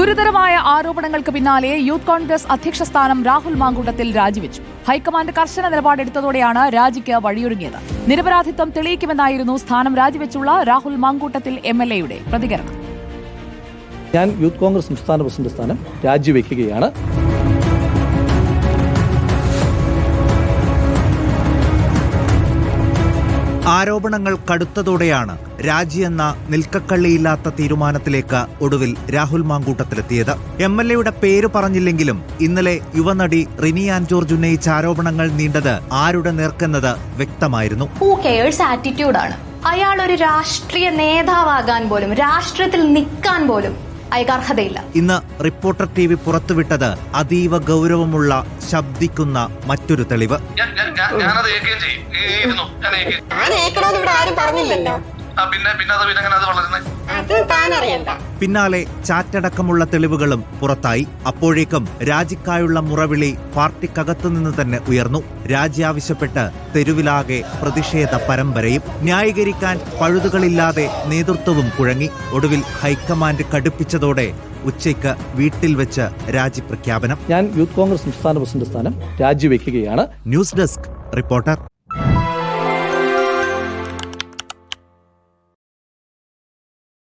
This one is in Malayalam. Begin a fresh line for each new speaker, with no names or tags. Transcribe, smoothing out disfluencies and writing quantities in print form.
ഗുരുതരമായ ആരോപണങ്ങൾക്ക് പിന്നാലെ യൂത്ത് കോൺഗ്രസ് അധ്യക്ഷ സ്ഥാനം രാഹുൽ മാങ്കൂട്ടത്തിൽ രാജിവെച്ചു. ഹൈക്കമാൻഡ് കർശന നിലപാടെടുത്തതോടെയാണ് രാജിക്ക് വഴിയൊരുങ്ങിയത്. നിരപരാധിത്വം തെളിയിക്കുമെന്നായിരുന്നു സ്ഥാനം രാജിവെച്ചുള്ള രാഹുൽ മാങ്കൂട്ടത്തിൽ MLA-യുടെ പ്രതികരണം.
ഞാൻ യൂത്ത് കോൺഗ്രസ് സംസ്ഥാന പ്രസിഡന്റ് സ്ഥാനം രാജിവെക്കുകയാണ്.
ആരോപണങ്ങൾ കടുത്തതോടെയാണ് രാജിയെന്ന നിൽക്കക്കള്ളിയില്ലാത്ത തീരുമാനത്തിലേക്ക് ഒടുവിൽ രാഹുൽ മാങ്കൂട്ടത്തിലെത്തിയത്. MLA-യുടെ പേര് പറഞ്ഞില്ലെങ്കിലും ഇന്നലെ യുവനടി റിനി ആൻ ജോർജ് ഉന്നയിച്ച ആരോപണങ്ങൾ നീണ്ടത് ആരുടെ നേർക്കെന്നത് വ്യക്തമായിരുന്നു.
ആറ്റിറ്റ്യൂഡാണ്. അയാൾ ഒരു രാഷ്ട്രീയ നേതാവാകാൻ പോലും, രാഷ്ട്രീയത്തിൽ നിൽക്കാൻ പോലും അയാൾക്ക് അർഹതയില്ല.
ഇന്ന് റിപ്പോർട്ടർ TV പുറത്തുവിട്ടത് അതീവ ഗൗരവമുള്ള ശബ്ദിക്കുന്ന മറ്റൊരു തെളിവ്. പിന്നാലെ ചാറ്റടക്കമുള്ള തെളിവുകളും പുറത്തായി. അപ്പോഴേക്കും രാജിക്കായുള്ള മുറവിളി പാർട്ടിക്കകത്തുനിന്ന് തന്നെ ഉയർന്നു. രാജി ആവശ്യപ്പെട്ട് തെരുവിലാകെ പ്രതിഷേധ പരമ്പരയും. ന്യായീകരിക്കാൻ പഴുതുകളില്ലാതെ നേതൃത്വവും കുഴങ്ങി. ഒടുവിൽ ഹൈക്കമാൻഡ് കടുപ്പിച്ചതോടെ ഉച്ചയ്ക്ക് വീട്ടിൽ വെച്ച് രാജി പ്രഖ്യാപനം.
ഞാൻ യൂത്ത് കോൺഗ്രസ് സംസ്ഥാന പ്രസിഡന്റ് സ്ഥാനം രാജിവെക്കുകയാണ്.
News desk reporter.